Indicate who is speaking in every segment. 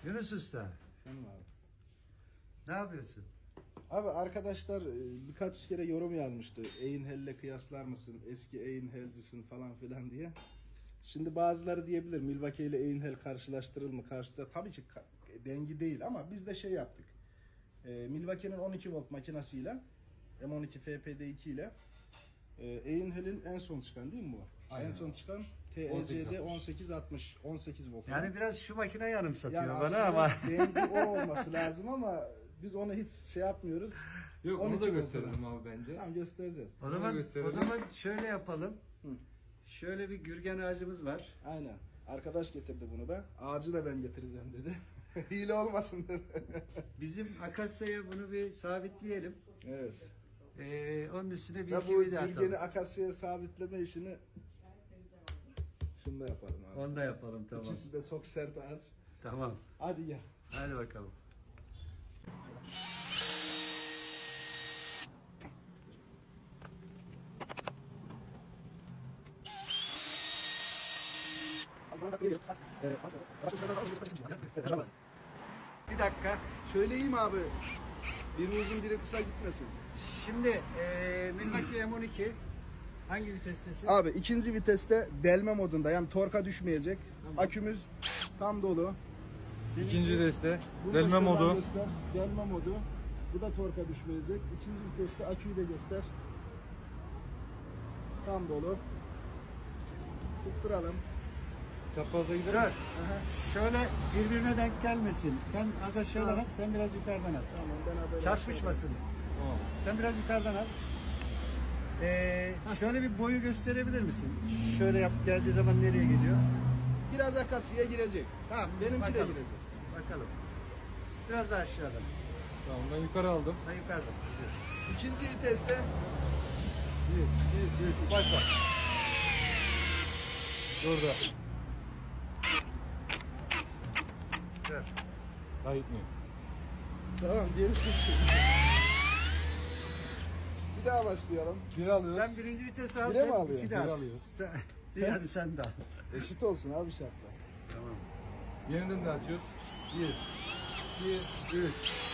Speaker 1: Yunus Usta,
Speaker 2: Efendim abi.
Speaker 1: ne yapıyorsun?
Speaker 2: Abi arkadaşlar birkaç kere yorum yazmıştı. Einhell'le kıyaslar mısın? Eski Einhell'cisin falan filan diye. Şimdi bazıları diyebilir Milwaukee ile Einhell karşılaştırılır mı? Karşıda tabii ki dengi değil ama biz de şey yaptık. Milwaukee'nin 12 volt makinasıyla M12 FPD2 ile Einhell'in en son çıkan değil mi bu?
Speaker 3: Aynen.
Speaker 2: En son çıkan TEC'de 1860 18 volt.
Speaker 1: Yani biraz şu makine yanımsatıyor
Speaker 2: Yani
Speaker 1: bana
Speaker 2: aslında
Speaker 1: ama.
Speaker 2: dengi o olması lazım ama biz onu hiç şey yapmıyoruz.
Speaker 3: Yok onu
Speaker 2: 12
Speaker 3: da
Speaker 2: volt
Speaker 3: gösterelim abi bence.
Speaker 2: Tamam göstereceğiz.
Speaker 1: O zaman şöyle yapalım.
Speaker 2: Hı.
Speaker 1: Şöyle bir gürgen ağacımız var.
Speaker 2: Aynen. Arkadaş getirdi bunu da. Ağacı da ben getireceğim dedi. Hile olmasın dedi.
Speaker 1: Bizim akasyaya bunu bir sabitleyelim.
Speaker 2: Evet.
Speaker 1: Onun üstüne bir
Speaker 2: Ya
Speaker 1: iki
Speaker 2: bu
Speaker 1: vida
Speaker 2: bilgeni
Speaker 1: atalım.
Speaker 2: akasyaya sabitleme işini şunu da yapalım abi.
Speaker 1: Onu da yapalım, tamam.
Speaker 2: İkisi de çok sert ağaç.
Speaker 1: Tamam.
Speaker 2: Hadi gel.
Speaker 1: Hadi bakalım. Bir dakika.
Speaker 2: Söyleyeyim abi. Biri uzun biri kısa gitmesin.
Speaker 1: Şimdi Milwaukee M12 hangi vitestesin?
Speaker 2: Abi ikinci viteste delme modunda yani torka düşmeyecek. Akümüz tam dolu.
Speaker 1: Seninki-
Speaker 3: İkinci deste.
Speaker 2: Bunu da
Speaker 3: Delme
Speaker 2: şuradan
Speaker 3: modu.
Speaker 2: göster. Delme modu. Bu da torka düşmeyecek. İkinci viteste aküyü de göster. Tam dolu. Tutturalım.
Speaker 3: Çaprazda gidelim.
Speaker 1: Dur. Şöyle birbirine denk gelmesin. Sen az aşağıdan at, sen biraz yukarıdan at.
Speaker 2: Tamam ben haber
Speaker 1: Çarpışmasın.
Speaker 3: Tamam.
Speaker 1: Sen biraz yukarıdan at. Şöyle bir boyu gösterebilir misin? Şöyle yap, geldiği zaman nereye geliyor?
Speaker 2: Biraz akasya'ya girecek.
Speaker 1: Tamam,
Speaker 2: Benimki de
Speaker 1: bakalım.
Speaker 2: girecek.
Speaker 1: Bakalım. Biraz daha aşağıdan.
Speaker 3: Tamam ben yukarı aldım.
Speaker 1: Ha, yukarıdan. Güzel.
Speaker 2: İkinci viteste
Speaker 3: 1, 2, 3, başla. Durdu.
Speaker 1: Dur.
Speaker 3: Daha gitmiyor.
Speaker 2: tamam gerisi şimdi. Bir daha başlayalım.
Speaker 3: Bir alıyoruz.
Speaker 1: Sen birinci vitesi al,
Speaker 2: Bire mi
Speaker 1: sen
Speaker 2: alıyor?
Speaker 1: iki de
Speaker 3: Bir
Speaker 1: at.
Speaker 3: alıyoruz.
Speaker 1: Sen, bir hadi sen de al.
Speaker 2: Eşit olsun abi şartlar.
Speaker 1: Tamam.
Speaker 3: Yeniden de açıyoruz. 1, 2, 3.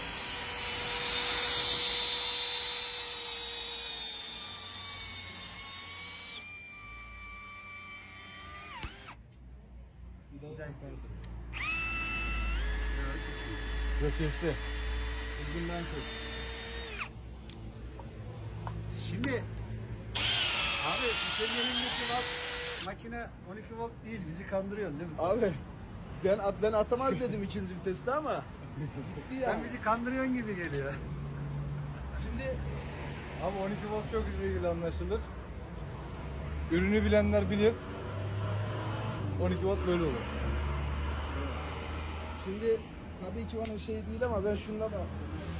Speaker 2: Bir daha
Speaker 1: Bir daha
Speaker 2: yaparsın.
Speaker 3: Yok kesti.
Speaker 2: Uzundan kes.
Speaker 1: Şimdi abi senin elindeki makine 12 volt değil, bizi kandırıyorsun değil mi sen?
Speaker 2: Abi ben atamaz dedim ikinci viteste ama gitti
Speaker 1: Sen
Speaker 2: yani.
Speaker 1: bizi kandırıyorsun gibi geliyor.
Speaker 2: Şimdi
Speaker 3: Ama 12 volt çok ilgili anlaşılır. Ürünü bilenler bilir. 12 volt böyle olur.
Speaker 2: Şimdi tabii ki onun şey değil ama ben şununla da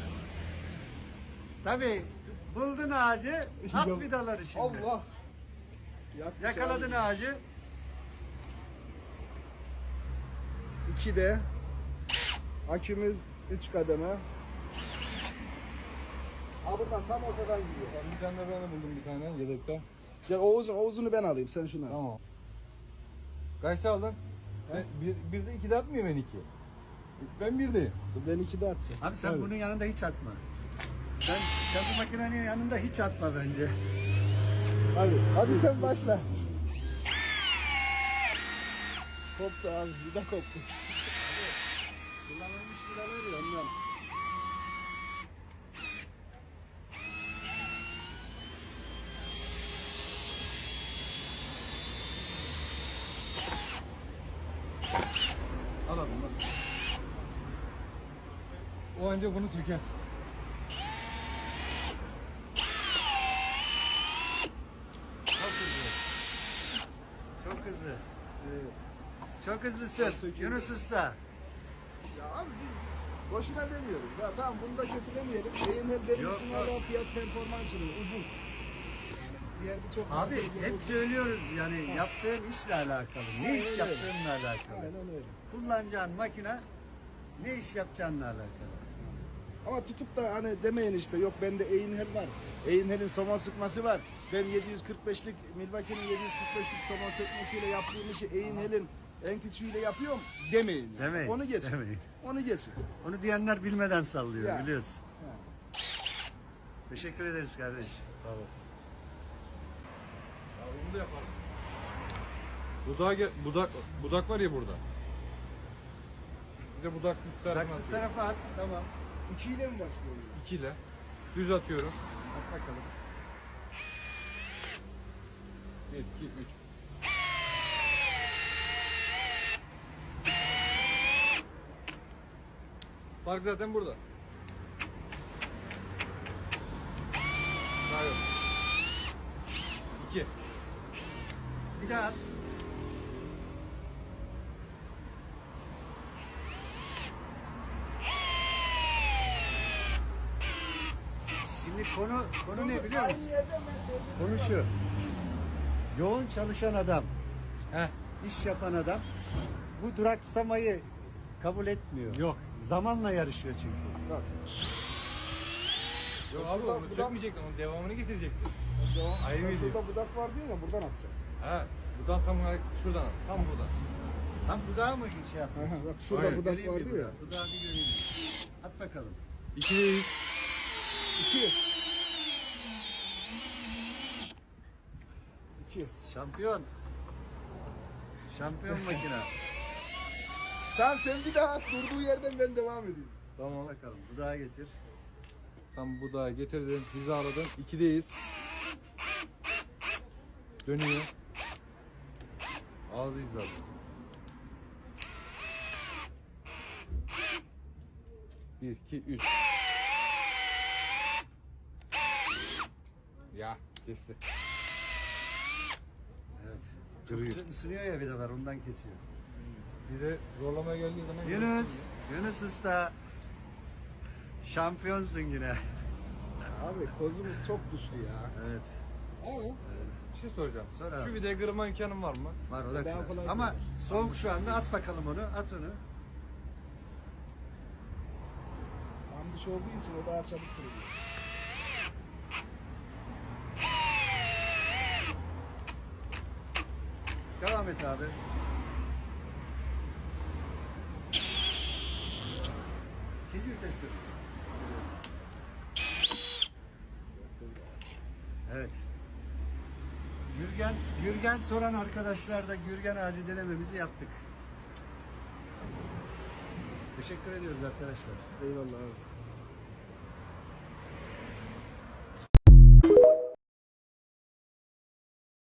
Speaker 1: Tabii buldun ağacı, at
Speaker 2: Yok.
Speaker 1: vidaları şimdi.
Speaker 2: Allah. Yakmış
Speaker 1: Yakaladın
Speaker 2: abi.
Speaker 1: ağacı.
Speaker 2: 2'de akümüz 3 kademe. Ha buradan tam ortadan gidiyor.
Speaker 3: Ben bir tane de ben de buldum bir tane yedekte.
Speaker 2: Gel Oğuz'unu ben alayım sen şunu al.
Speaker 3: Tamam. Kaç aldın? Ben, bir de 2'de atmıyor ben 2. Ben 1'deyim.
Speaker 2: Ben 2'de atacağım.
Speaker 1: Abi sen
Speaker 3: Tabii.
Speaker 1: bunun yanında hiç atma. Sen bu makinenin yanında hiç atma bence.
Speaker 2: Hadi sen başla. Koptu abi, bir de koptu.
Speaker 1: Kullanılmış vidalar ya ondan.
Speaker 3: Al abi. O ancak bunu söker.
Speaker 1: Çok hızlı. Çok hızlı.
Speaker 2: Evet.
Speaker 1: Çok hızlısın.
Speaker 2: Söküyor.
Speaker 1: Yunus Usta.
Speaker 2: Ya abi biz boşuna demiyoruz. Ya tamam bunu da kötülemeyelim. Einhell benim
Speaker 1: Yok,
Speaker 2: için
Speaker 1: yok.
Speaker 2: hala fiyat performans ürünü, ucuz. Diğer birçok
Speaker 1: Abi
Speaker 2: markaya
Speaker 1: hep
Speaker 2: göre-
Speaker 1: söylüyoruz yani yaptığın işle alakalı. Ne iş
Speaker 2: Aynen öyle.
Speaker 1: yaptığınla alakalı.
Speaker 2: Aynen öyle.
Speaker 1: Kullanacağın makine ne iş yapacağınla alakalı.
Speaker 2: Ama tutup da hani demeyin işte yok bende Einhell var. Einhell'in somon sıkması var. Ben 745'lik Milwaukee'nin 745'lik somon sıkmasıyla yaptığım işi Einhell'in En küçüğüyle yapıyorum demeyin. Yani.
Speaker 1: Demeyin,
Speaker 2: Onu geçin.
Speaker 1: demeyin.
Speaker 2: Onu geçin.
Speaker 1: Onu diyenler bilmeden sallıyor
Speaker 2: Ya.
Speaker 1: biliyorsun.
Speaker 2: Ha.
Speaker 1: Teşekkür ederiz kardeş.
Speaker 3: Sağ olasın. Ya bunu da yaparım. Budak var ya burada. Bir de budaksız tarafına
Speaker 1: Taksız
Speaker 3: atıyorum.
Speaker 1: tarafa at. Tamam.
Speaker 2: 2 ile mi başlıyor?
Speaker 3: 2 ile düz atıyorum.
Speaker 1: At bakalım.
Speaker 3: 1, 2, 3. Fark zaten burada. Daha yok. 2.
Speaker 1: Bir daha at. Şimdi konu ne biliyor musun?
Speaker 2: Aynı yerden ben söyledim.
Speaker 1: Konu şu. Yoğun çalışan adam,
Speaker 3: Heh.
Speaker 1: iş yapan adam bu duraksamayı kabul etmiyor.
Speaker 3: Yok.
Speaker 1: Zamanla yarışıyor çünkü.
Speaker 2: Bak.
Speaker 3: Yok abi onu sökmeyecektin, onun devamını getirecektin. Ayrı
Speaker 2: Sen
Speaker 3: video.
Speaker 2: şurada budak var diye ya buradan atacaksın.
Speaker 3: Ha, buradan tam olarak şuradan at, tam buradan.
Speaker 1: Tam budağı mı şey yapıyorsun?
Speaker 2: Aha, bak şurada
Speaker 3: Aynen.
Speaker 2: budak
Speaker 1: Göreyim bir
Speaker 2: vardı ya.
Speaker 1: budağı. Budağı bir göreyim. At bakalım.
Speaker 3: 2'deyiz.
Speaker 2: 2. 2.
Speaker 1: Şampiyon. Şampiyon makine.
Speaker 2: Tamam sen bir daha at. Durduğu yerden ben devam edeyim.
Speaker 3: Tamam.
Speaker 1: Bakalım budağı getir.
Speaker 3: Tam budağı getirdim, hizaladım. 2'deyiz. Dönüyor. Ağzı hizaladım. Bir, iki, üç. Ya, kesti.
Speaker 1: Evet. Çok
Speaker 3: Duruyor.
Speaker 1: ısınıyor ya vidalar ondan kesiyor.
Speaker 3: Bir de zorlamaya geldiği zaman...
Speaker 1: Yunus Usta. Şampiyonsun yine.
Speaker 2: Abi kozumuz çok güçlü ya.
Speaker 1: Evet.
Speaker 3: Ama bir şey soracağım.
Speaker 1: Sor abi.
Speaker 3: Şu vidayı kırma imkanım var mı?
Speaker 1: Var o da
Speaker 2: Daha
Speaker 1: kırar.
Speaker 2: kolay
Speaker 1: Ama
Speaker 2: kırar.
Speaker 1: soğuk şu anda at bakalım onu. At onu.
Speaker 2: Tam dış olduğu için o daha çabuk kırılıyor.
Speaker 1: Devam et abi. İkinci viteste misin? Evet. Gürgen soran arkadaşlar da Gürgen ağacı denememizi yaptık. Teşekkür ediyoruz arkadaşlar.
Speaker 2: Eyvallah abi.